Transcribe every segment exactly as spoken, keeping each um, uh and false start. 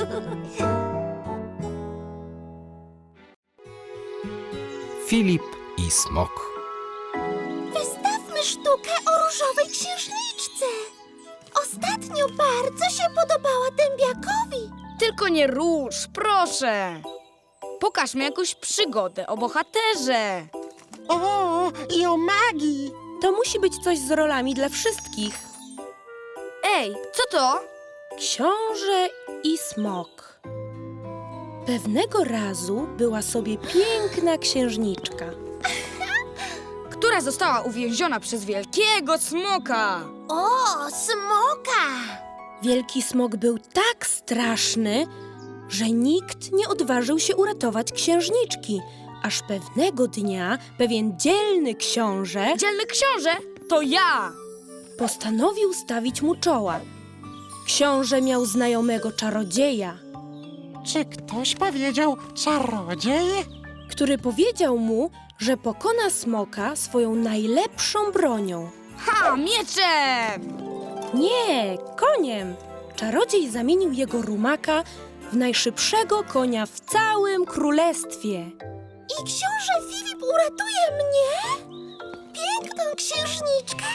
Filip i Smok. Wystawmy sztukę o różowej księżniczce. Ostatnio bardzo się podobała dębiakowi. Tylko nie róż, proszę. Pokażmy jakąś przygodę o bohaterze. O, i o magii! To musi być coś z rolami dla wszystkich. Ej, co to? Książę i smok. Pewnego razu była sobie piękna księżniczka. Która została uwięziona przez wielkiego smoka. O, smoka! Wielki smok był tak straszny, że nikt nie odważył się uratować księżniczki. Aż pewnego dnia pewien dzielny książę Dzielny książę, to ja. postanowił stawić mu czoła. Książę miał znajomego czarodzieja, Czy ktoś powiedział czarodziej? który powiedział mu, że pokona smoka swoją najlepszą bronią. Ha, mieczem! Nie, koniem! Czarodziej zamienił jego rumaka w najszybszego konia w całym królestwie. I książę Filip uratuje mnie? Piękną księżniczkę?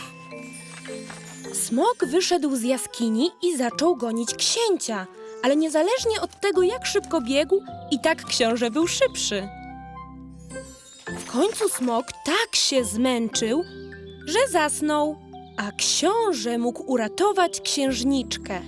Smok wyszedł z jaskini i zaczął gonić księcia, ale niezależnie od tego, jak szybko biegł, i tak książę był szybszy. W końcu smok tak się zmęczył, że zasnął, a książę mógł uratować księżniczkę.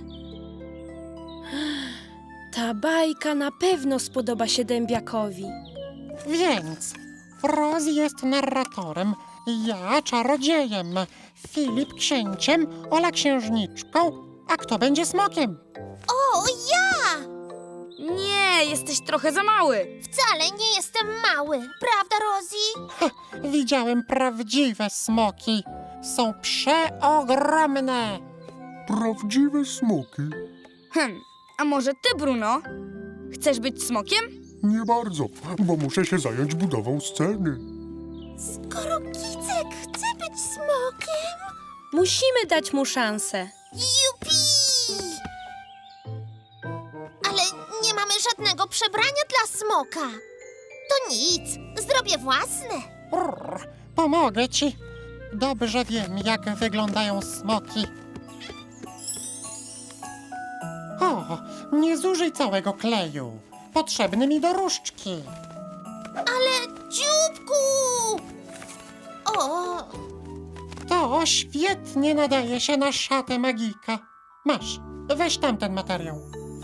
Ta bajka na pewno spodoba się dębiakowi. Więc Rosie jest narratorem, ja czarodziejem, Filip księciem, Ola księżniczką, a kto będzie smokiem? O, ja! Nie, jesteś trochę za mały. Wcale nie jestem mały, prawda, Rosie? Ha, widziałem prawdziwe smoki. Są przeogromne. Prawdziwe smoki? Hm, a może ty, Bruno? Chcesz być smokiem? Nie bardzo, bo muszę się zająć budową sceny. Skoro Kicek chce być smokiem... Musimy dać mu szansę. Jupi! Ale nie mamy żadnego przebrania dla smoka. To nic, zrobię własne. Brr, pomogę ci. Dobrze wiem, jak wyglądają smoki. O, nie zużyj całego kleju. Potrzebny mi do różdżki. Ale dzióbku! O, To świetnie nadaje się na szatę magika. Masz, weź tamten materiał.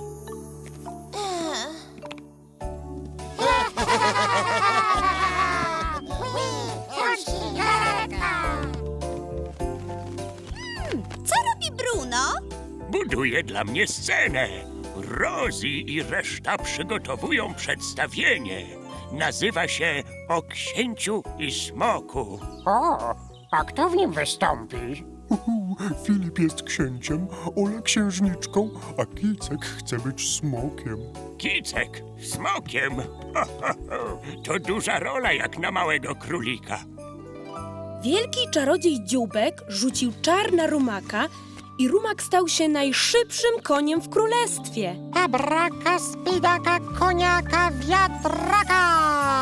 co robi Bruno? Buduje dla mnie scenę. Rosie i reszta przygotowują przedstawienie. Nazywa się O księciu i smoku. O, a kto w nim wystąpi? Uhu, Filip jest księciem, Ola księżniczką, a Kicek chce być smokiem. Kicek smokiem. Ho, ho, ho. To duża rola jak na małego królika. Wielki czarodziej Dzióbek rzucił czar na rumaka i rumak stał się najszybszym koniem w królestwie. Abraka, spidaka, koniaka, wiatraka!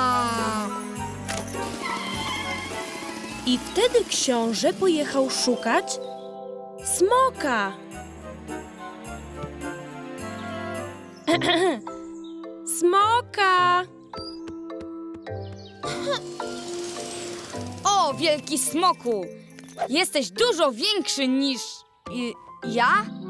I wtedy książę pojechał szukać smoka. Smoka! O, wielki smoku! Jesteś dużo większy niż... Y, ja?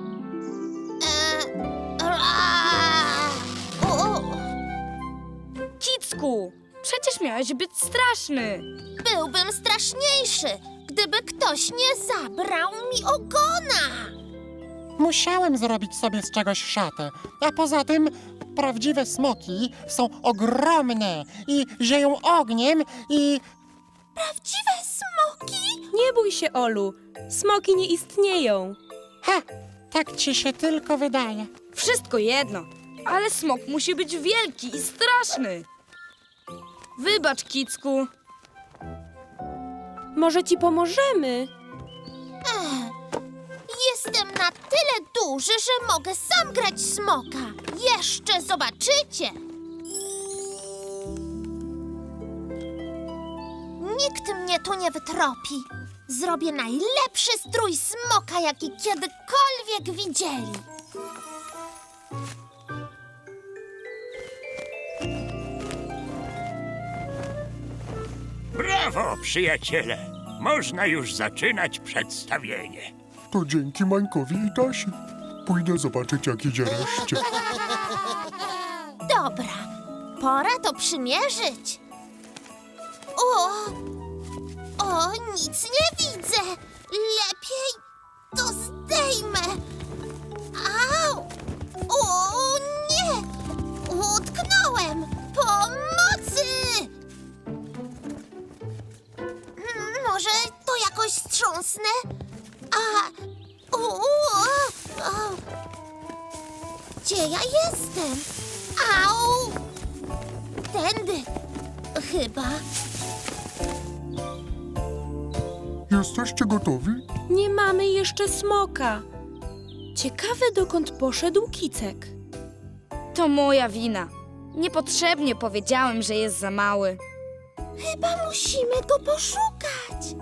E, ra, o, o, Kicku! Przecież miałeś być straszny. byłbym straszniejszy, gdyby ktoś nie zabrał mi ogona. Musiałem zrobić sobie z czegoś szatę. A poza tym prawdziwe smoki są ogromne i zieją ogniem i... Prawdziwe smoki? Nie bój się, Olu. Smoki nie istnieją. Ha! Tak ci się tylko wydaje. Wszystko jedno, ale smok musi być wielki i straszny. Wybacz, Kicku. Może ci pomożemy? Ech, Jestem na tyle duży, że mogę sam grać smoka. Jeszcze zobaczycie. Nikt mnie tu nie wytropi. Zrobię najlepszy strój smoka, jaki kiedykolwiek widzieli. Brawo, przyjaciele! Można już zaczynać przedstawienie. To dzięki Mańkowi i Tasi. Pójdę zobaczyć, jak idzie reszcie. Dobra, pora to przymierzyć. O, o, nic nie widzę. Lepiej to zdejmę. Au! O, nie! Utknąłem! Pomocy! Hmm, Może to jakoś strząsnę? A, u, u, o, o. Gdzie ja jestem? Au! Tędy, chyba. Jesteście gotowi? Nie mamy jeszcze smoka. Ciekawe, dokąd poszedł Kicek. To moja wina. Niepotrzebnie powiedziałem, że jest za mały. Chyba musimy go poszukać.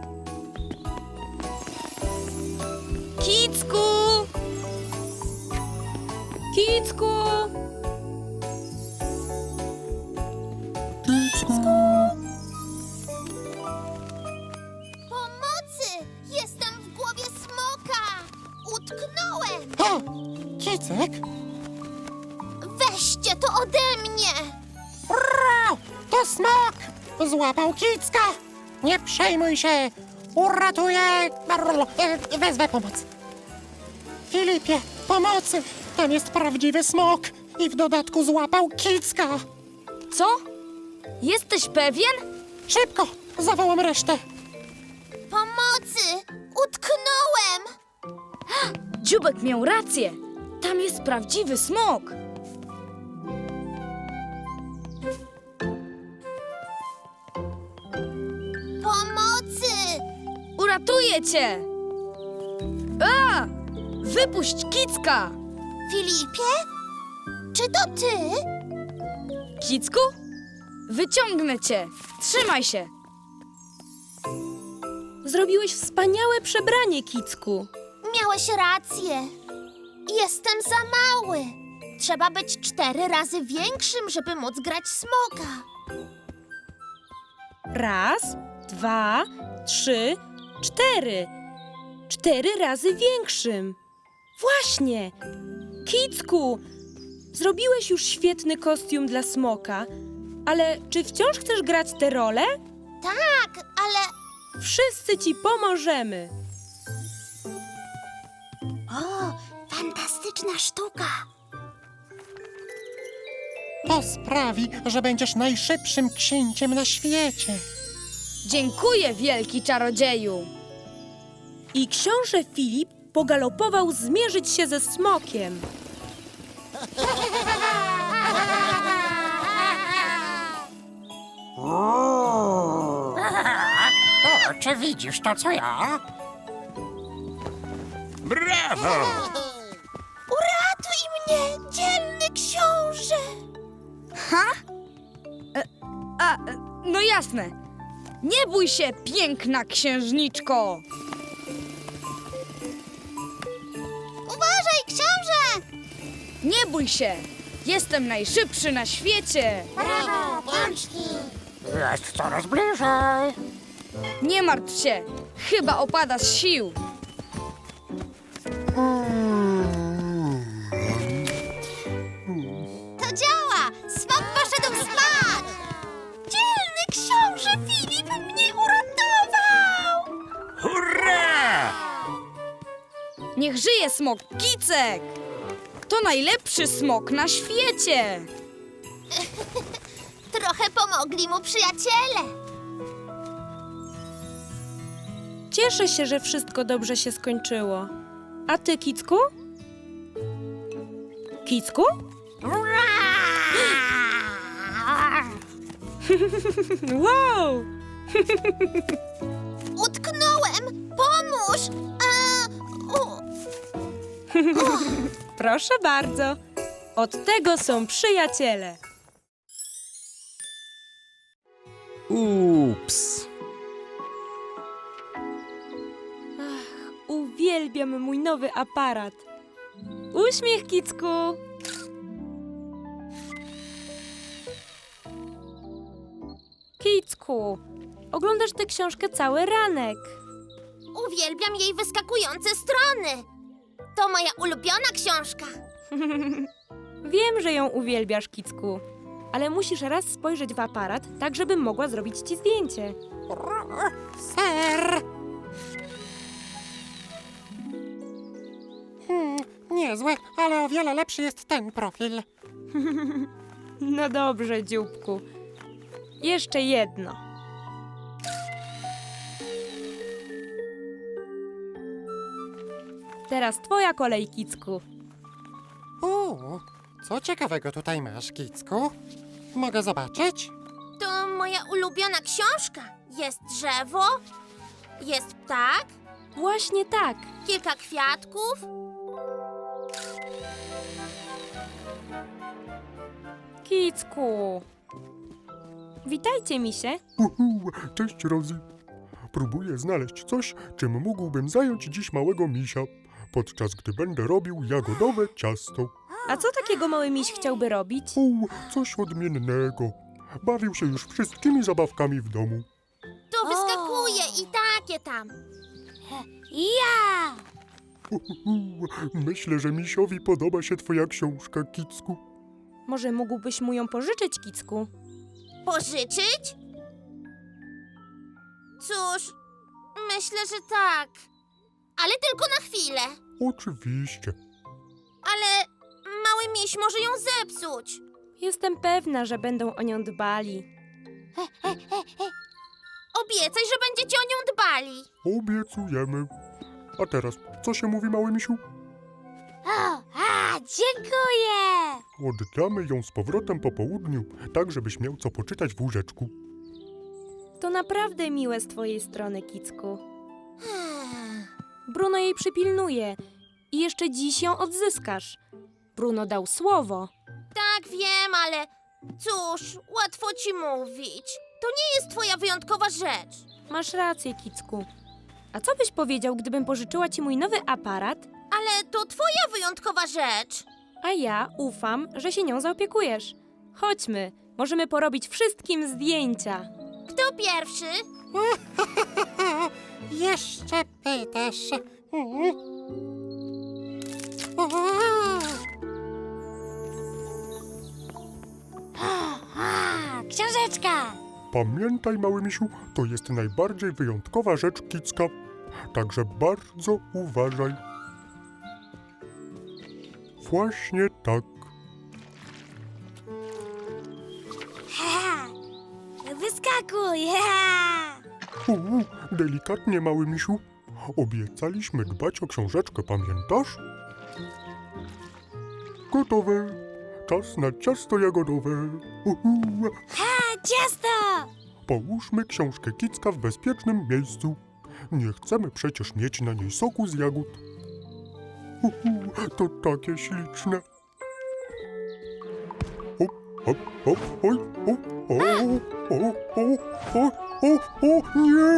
Kicku! Kicku! Kicku! Pomocy! Jestem w głowie smoka! Utknąłem! O, Kicek? Weźcie to ode mnie! Ura, to smok! Złapał Kicka! Nie przejmuj się! Uratuję! E, Wezwę pomoc. Filipie, pomocy! Tam jest prawdziwy smok i w dodatku złapał Kicka! Co? Jesteś pewien? Szybko! Zawołam resztę! Pomocy! Utknąłem! Dziubek miał rację. Tam jest prawdziwy smok. Pomocy! Uratuję cię! A! Wypuść Kicka! Filipie? Czy to ty? Kicku? Wyciągnę cię. Trzymaj się. Zrobiłeś wspaniałe przebranie, Kicku. Miałeś rację. Jestem za mały. Trzeba być cztery razy większym, żeby móc grać smoka. Raz, dwa, trzy, cztery. Cztery razy większym. Właśnie! Kicku! Zrobiłeś już świetny kostium dla smoka, ale czy wciąż chcesz grać tę rolę? Tak, ale... Wszyscy ci pomożemy. O, fantastyczna sztuka. To sprawi, że będziesz najszybszym księciem na świecie. Dziękuję, wielki czarodzieju. I książę Filip pogalopował zmierzyć się ze smokiem. O, czy widzisz to, co ja? Brawo! Uratuj mnie, dzielny książę! A, no jasne. Nie bój się, piękna księżniczko. Uważaj, książę! Nie bój się. Jestem najszybszy na świecie. Brawo, pączki! Jest coraz bliżej. Nie martw się. Chyba opada z sił. To działa! Smok poszedł spać! Dzielny książę Filip mnie uratował! Hurra! Niech żyje smok Kicek. To najlepszy smok na świecie. Trochę pomogli mu przyjaciele. Cieszę się, że wszystko dobrze się skończyło. A ty, Kicku? Kicku? Wow! Utknąłem! Pomóż! A, u, Proszę bardzo. Od tego są przyjaciele. Ups. Uwielbiam mój nowy aparat. Uśmiech, Kicku. Kicku, oglądasz tę książkę cały ranek. Uwielbiam jej wyskakujące strony. To moja ulubiona książka. Wiem, że ją uwielbiasz, Kicku, ale musisz raz spojrzeć w aparat, tak żebym mogła zrobić ci zdjęcie. Ser! Hmm, niezłe, ale o wiele lepszy jest ten profil. No dobrze, dzióbku. Jeszcze jedno. Teraz twoja kolej, Kicku. Uuu, co ciekawego tutaj masz, Kicku? Mogę zobaczyć? To moja ulubiona książka. Jest drzewo, jest ptak, Właśnie tak. kilka kwiatków. Kicku. Witajcie, misie. Uhu, cześć, Rosie. Próbuję znaleźć coś, czym mógłbym zająć dziś małego misia, podczas gdy będę robił jagodowe ciasto. A co takiego mały miś chciałby robić? U, coś odmiennego. Bawił się już wszystkimi zabawkami w domu. To wyskakuje i takie tam. Ja! Uhu, myślę, że misiowi podoba się twoja książka, Kicku. Może mógłbyś mu ją pożyczyć, Kicku? Pożyczyć? Cóż, myślę, że tak. Ale tylko na chwilę. Oczywiście. Ale mały miś może ją zepsuć. Jestem pewna, że będą o nią dbali. Obiecaj, że będziecie o nią dbali. Obiecujemy. A teraz, co się mówi, mały misiu? O, a, dziękuję. Oddamy ją z powrotem po południu, tak żebyś miał co poczytać w łóżeczku. To naprawdę miłe z twojej strony, Kicku. Bruno jej przypilnuje i jeszcze dziś ją odzyskasz. Bruno dał słowo. Tak, wiem, ale cóż, łatwo ci mówić. To nie jest twoja wyjątkowa rzecz. Masz rację, Kicku. A co byś powiedział, gdybym pożyczyła ci mój nowy aparat, Ale to twoja wyjątkowa rzecz. a ja ufam, że się nią zaopiekujesz? Chodźmy, możemy porobić wszystkim zdjęcia. Kto pierwszy? Jeszcze pytasz. Mm. Uuu. Książeczka. Pamiętaj, mały misiu, to jest najbardziej wyjątkowa rzecz Kicka. Także bardzo uważaj. Właśnie tak. Wyskakuj. Uuu, delikatnie, mały misiu. Obiecaliśmy dbać o książeczkę, pamiętasz? Gotowe. Czas na ciasto jagodowe. Uhu. Ciasto. Połóżmy książkę Kicka w bezpiecznym miejscu. Nie chcemy przecież mieć na niej soku z jagód. Uhu, to takie śliczne. Hop, hop, hop, oj, o, o, o, o, o, o, o, nie!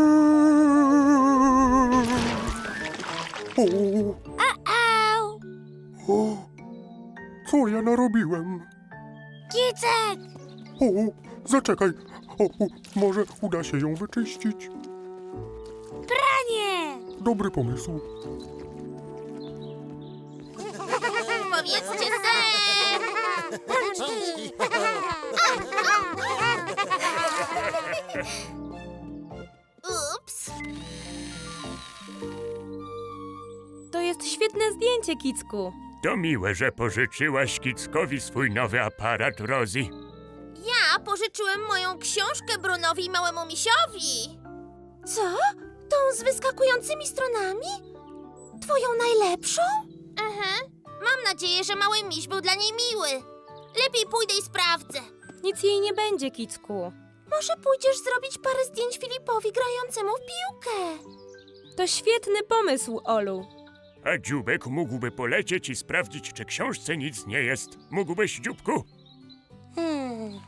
O, Au. o, co ja narobiłem? Kicek. O, zaczekaj. O, o, może uda się ją wyczyścić. Pranie. Dobry pomysł. Powiedzcie ser. Rączki. Ups. To jest świetne zdjęcie, Kicku. To miłe, że pożyczyłaś Kickowi swój nowy aparat, Rosie. Ja pożyczyłem moją książkę Brunowi i małemu misiowi. Co? Tą z wyskakującymi stronami? Twoją najlepszą? Aha. Mam nadzieję, że mały miś był dla niej miły. Lepiej pójdę i sprawdzę. Nic jej nie będzie, Kicku. Może pójdziesz zrobić parę zdjęć Filipowi grającemu w piłkę? To świetny pomysł, Olu. A Dziubek mógłby polecieć i sprawdzić, czy książce nic nie jest. Mógłbyś, Dziubku? Hmm.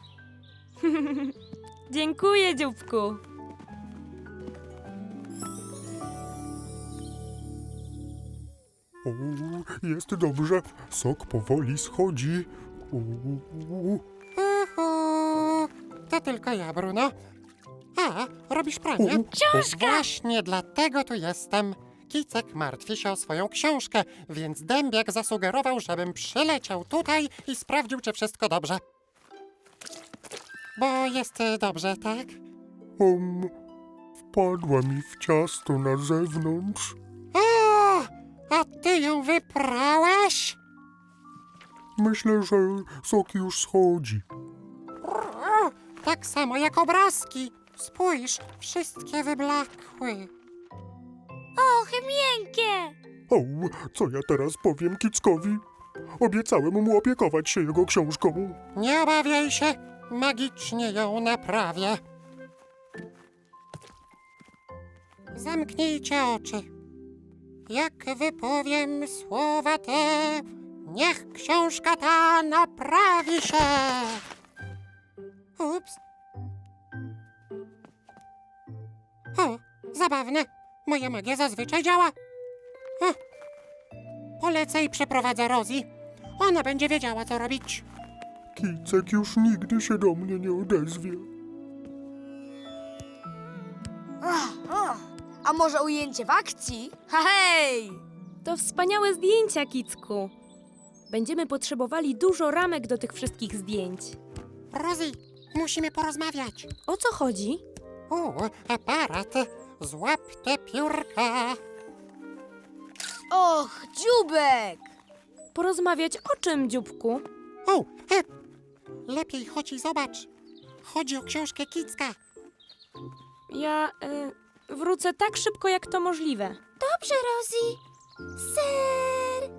Dziękuję, dzióbku. O, jest dobrze. Sok powoli schodzi. U, Uhu. To tylko ja, Bruno. A, robisz pranie? u, Książka! Właśnie dlatego tu jestem. Kicek martwi się o swoją książkę, więc Dębiak zasugerował, żebym przyleciał tutaj i sprawdził, czy wszystko dobrze. Bo jest e, dobrze, tak? Um, wpadła mi w ciasto na zewnątrz. O, a ty ją wyprałeś? Myślę, że sok już schodzi. O, tak samo jak obrazki. Spójrz, wszystkie wyblakły. Och, miękkie! O, co ja teraz powiem Kickowi? Obiecałem mu opiekować się jego książką. Nie obawiaj się, magicznie ją naprawię. Zamknijcie oczy. Jak wypowiem słowa te, niech książka ta naprawi się. Ups. O, zabawne. Moja magia zazwyczaj działa. O, polecę i przeprowadzę Rosie. Ona będzie wiedziała, co robić. Kicek już nigdy się do mnie nie odezwie. A może ujęcie w akcji? Ha hej! To wspaniałe zdjęcia, Kicku. Będziemy potrzebowali dużo ramek do tych wszystkich zdjęć. Rosie, musimy porozmawiać. O co chodzi? O, aparat. Złap te piórka. Och, dziubek! Porozmawiać o czym, dzióbku? O, e, lepiej chodź i zobacz. Chodzi o książkę Kicka. Ja y, wrócę tak szybko, jak to możliwe. Dobrze, Rosie. Ser!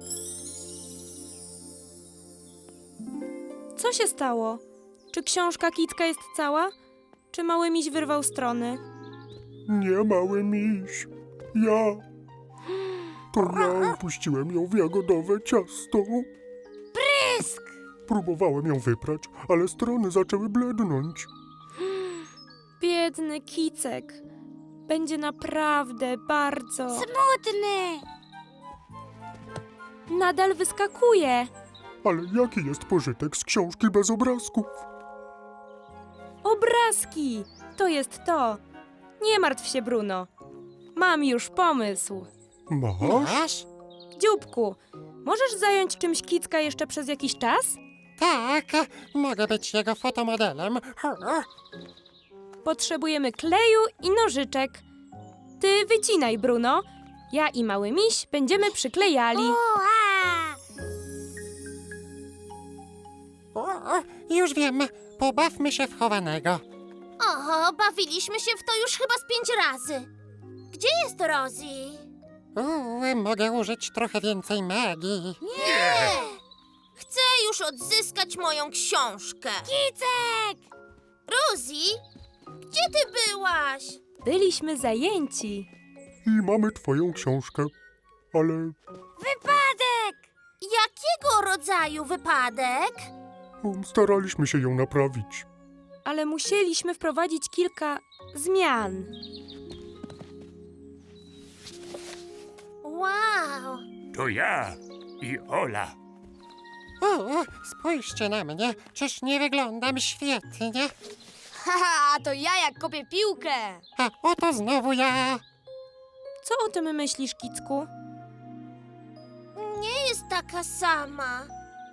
Co się stało? Czy książka Kicka jest cała? Czy mały miś wyrwał strony? Nie, mały miś. Ja. To ja upuściłem ją w jagodowe ciasto. Prysk! Próbowałem ją wyprać, ale strony zaczęły blednąć. Biedny Kicek. Będzie naprawdę bardzo... Smutny! Nadal wyskakuje. Ale jaki jest pożytek z książki bez obrazków? Obrazki! To jest to. Nie martw się, Bruno. Mam już pomysł. Masz? Masz? Dzióbku, możesz zająć czymś Kicka jeszcze przez jakiś czas? Tak, mogę być jego fotomodelem. Potrzebujemy kleju i nożyczek. Ty wycinaj, Bruno. Ja i mały miś będziemy przyklejali. Ua! O, już wiem, pobawmy się w chowanego. Oho, bawiliśmy się w to już chyba z pięć razy. Gdzie jest Rosie? Uuu, mogę użyć trochę więcej magii. Nie! Chcę już odzyskać moją książkę. Kicek! Rosie, gdzie ty byłaś? Byliśmy zajęci. I mamy twoją książkę. Ale Wypadek! Jakiego rodzaju wypadek? um, staraliśmy się ją naprawić. Ale musieliśmy wprowadzić kilka zmian. Wow! To ja i Ola. O, spójrzcie na mnie, czyż nie wyglądam świetnie? Haha, to ja jak kopię piłkę! A oto znowu ja. Co o tym myślisz, Kicku? Nie jest taka sama.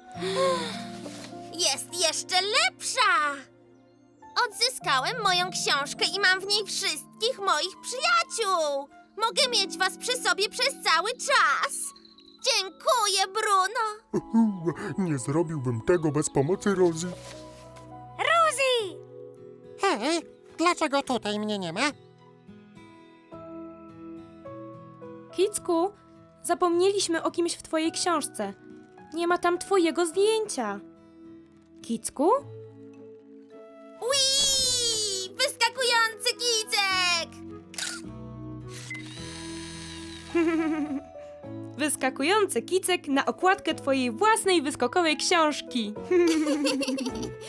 Jest jeszcze lepsza! Odzyskałem moją książkę i mam w niej wszystkich moich przyjaciół. Mogę mieć was przy sobie przez cały czas. Dziękuję, Bruno. Uhu, nie zrobiłbym tego bez pomocy Rosie. Rosie! Hej, dlaczego tutaj mnie nie ma? Kicku, zapomnieliśmy o kimś w twojej książce. Nie ma tam twojego zdjęcia. Kicku? Ui! Wyskakujący kicek! Wyskakujący kicek na okładkę twojej własnej wyskokowej książki.